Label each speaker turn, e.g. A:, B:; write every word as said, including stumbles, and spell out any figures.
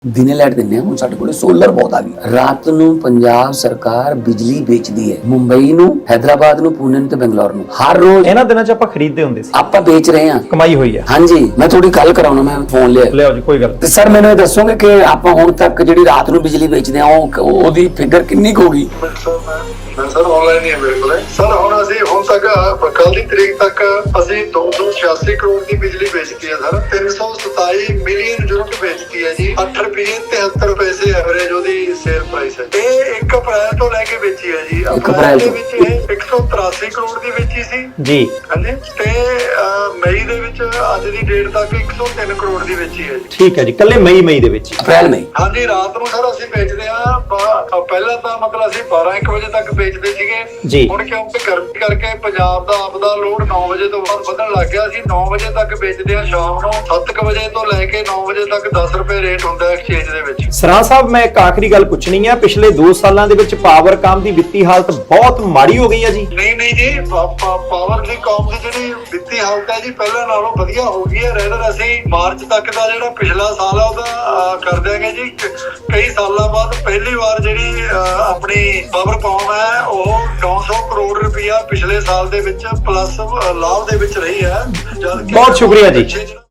A: ਦਿਨੇ ਲਾਈਟ ਦਿੰਦੇ ਆ। ਹੁਣ ਸਾਡੇ ਕੋਲ ਸੋਲਰ ਬਹੁਤ ਆ ਗਈ। ਰਾਤ ਨੂੰ ਪੰਜਾਬ ਸਰਕਾਰ ਬਿਜਲੀ ਵੇਚਦੀ ਹੈ ਮੁੰਬਈ ਨੂੰ, ਹੈਦਰਾਬਾਦ ਨੂੰ, ਪੂਨੇ ਨੂੰ ਤੇ ਬੰਗਲੌਰ ਨੂੰ। ਹਰ ਰੋਜ਼
B: ਇਹਨਾਂ ਦਿਨਾਂ 'ਚ ਆਪਾਂ ਖਰੀਦਦੇ ਹੁੰਦੇ ਸੀ,
A: ਆਪਾਂ ਵੇਚ ਰਹੇ ਹਾਂ,
B: ਕਮਾਈ ਹੋਈ ਹੈ।
A: ਹਾਂਜੀ, ਮੈਂ ਥੋੜੀ ਗੱਲ ਕਰਾਉਣਾ, ਮੈਂ ਫੋਨ ਲਿਆ
B: ਲਿਆਓ ਜੀ, ਕੋਈ ਗੱਲ
A: ਤੇ ਸਰ ਮੈਨੂੰ ਇਹ ਦੱਸੋਗੇ ਕਿ ਆਪਾਂ ਹੁਣ ਤੱਕ ਜਿਹੜੀ ਰਾਤ ਨੂੰ ਬਿਜਲੀ ਵੇਚਦੇ ਆ ਉਹ ਉਹਦੀ ਫਿਗਰ ਕਿੰਨੀ ਕੁ ਹੋਗੀ?
C: ਸਰ ਆਨਲਾਈਨ ਹੀ ਹੈ ਮੇਰੇ ਕੋਲ। ਸਰ ਹੁਣ ਅਸੀਂ ਹੁਣ ਤੱਕ ਕੱਲ ਦੀ ਤਰੀਕ ਤੱਕ ਅਸੀਂ ਦੋ ਸੌ ਛਿਆਸੀ ਕਰੋੜ ਦੀ ਬਿਜਲੀ ਵੇਚਤੀ ਹੈ ਸਰ। ਤਿੰਨ ਸੌ ਸਤਾਈ ਮਿਲੀਅਨ ਯੂਨਿਟ ਵੇਚਤੀ ਹੈ ਜੀ। ਅੱਠ ਰੁਪਏ ਤਿਹੱਤਰ ਪੈਸੇ ਐਵਰੇਜ ਉਹਦੀ ਸੇਲ ਪ੍ਰਾਈਸ ਹੈ। ਇਹ ਇੱਕ ਅਪ੍ਰੈਲ ਤੋਂ ਲੈ ਕੇ ਵੇਚੀ ਹੈ ਜੀ। ਅਪ੍ਰੈਲ ਦੇ ਵਿੱਚ ਇਹ ਇੱਕ ਸੌ ਤਰਾਸੀ ਕਰੋੜ ਦੀ ਵੇਚੀ ਸੀ
B: ਜੀ,
C: ਹਾਂਜੀ, ਤੇ ਮਈ ਦੇ ਵਿੱਚ ਅੱਜ ਦੀ ਡੇਟ ਤੱਕ ਇੱਕ ਸੌ ਤਿੰਨ ਕਰੋੜ ਦੀ ਵੇਚੀ ਹੈ ਜੀ।
B: ਠੀਕ ਹੈ ਜੀ, ਕੱਲੇ ਮਈ ਮਈ ਦੇ ਵਿੱਚ,
A: ਅਪ੍ਰੈਲ ਮਈ।
C: ਹਾਂਜੀ, ਰਾਤ ਨੂੰ ਸਰ ਅਸੀਂ ਵੇਚਦੇ ਆ। ਪਹਿਲਾਂ ਤਾਂ ਮਤਲਬ ਅਸੀਂ ਬਾਰਾਂ ਇੱਕ ਵਜੇ ਤੱਕ ਵੇਚਦੇ ਸੀਗੇ
B: ਜੀ।
C: ਹੁਣ ਕਿਉਂਕਿ ਗਰਮੀ ਕਰਕੇ ਪੰਜਾਬ ਦਾ ਆਪਦਾ ਲੋਡ ਨੌ ਵਜੇ ਤੋਂ ਬਾਅਦ ਵਧਣ ਲੱਗ ਗਿਆ। ਅਸੀਂ ਨੌ ਵਜੇ ਤੱਕ ਵੇਚਦੇ ਆ, ਸ਼ਾਮ ਨੂੰ ਸੱਤ ਕੁ ਵਜੇ ਤੋਂ ਲੈ ਕੇ ਨੌ ਵਜੇ ਤੱਕ ਦਸ ਰੁਪਏ ਰੇਟ ਹੁੰਦਾ ਐਕਸਚੇਂਜ ਦੇ ਵਿੱਚ।
B: ਸਰਾਂ ਸਾਹਿਬ, ਮੈਂ ਇੱਕ ਆਖਰੀ ਗੱਲ ਪੁੱਛਣੀ ਆ, ਪਿਛਲੇ ਦੋ ਸਾਲਾਂ ਦੇ ਵਿੱਚ ਪਾਵਰਕਾਮ ਦੀ ਵਿੱਤੀ ਹਾਲਤ ਬਹੁਤ ਮਾੜੀ ਹੋ ਗਈ ਹੈ ਜੀ।
C: ਨਹੀਂ ਨਹੀਂ ਜੀ, ਪਾਵਰ ਦੀ ਕੌਮ ਦੀ ਜਿਹੜੀ ਵਿੱਤੀ ਹਾਲਤ ਹੈ ਜੀ ਪਹਿਲਾਂ ਨਾਲੋਂ ਵਧੀਆ ਹੋ ਗਈ ਹੈ। ਰੈਦਰ ਅਸੀਂ ਮਾਰਚ ਤੱਕ ਦਾ ਜਿਹੜਾ ਪਿਛਲਾ ਸਾਲ ਆ ਉਹਦਾ ਕਰ ਦਿਆਂਗੇ ਜੀ। ਕਈ ਸਾਲਾਂ ਬਾਅਦ ਪਹਿਲੀ ਵਾਰ ਜਿਹੜੀ ਆਪਣੀ ਪਾਵਰਕਾਮ ਹੈ ਉਹ ਨੌ ਸੌ ਕਰੋੜ ਰੁਪਇਆ ਪਿਛਲੇ ਸਾਲ ਦੇ ਵਿੱਚ ਪਲੱਸ ਲਾਭ ਦੇ ਵਿੱਚ ਰਹੀ ਹੈ।
B: ਬਹੁਤ ਸ਼ੁਕਰੀਆ ਜੀ।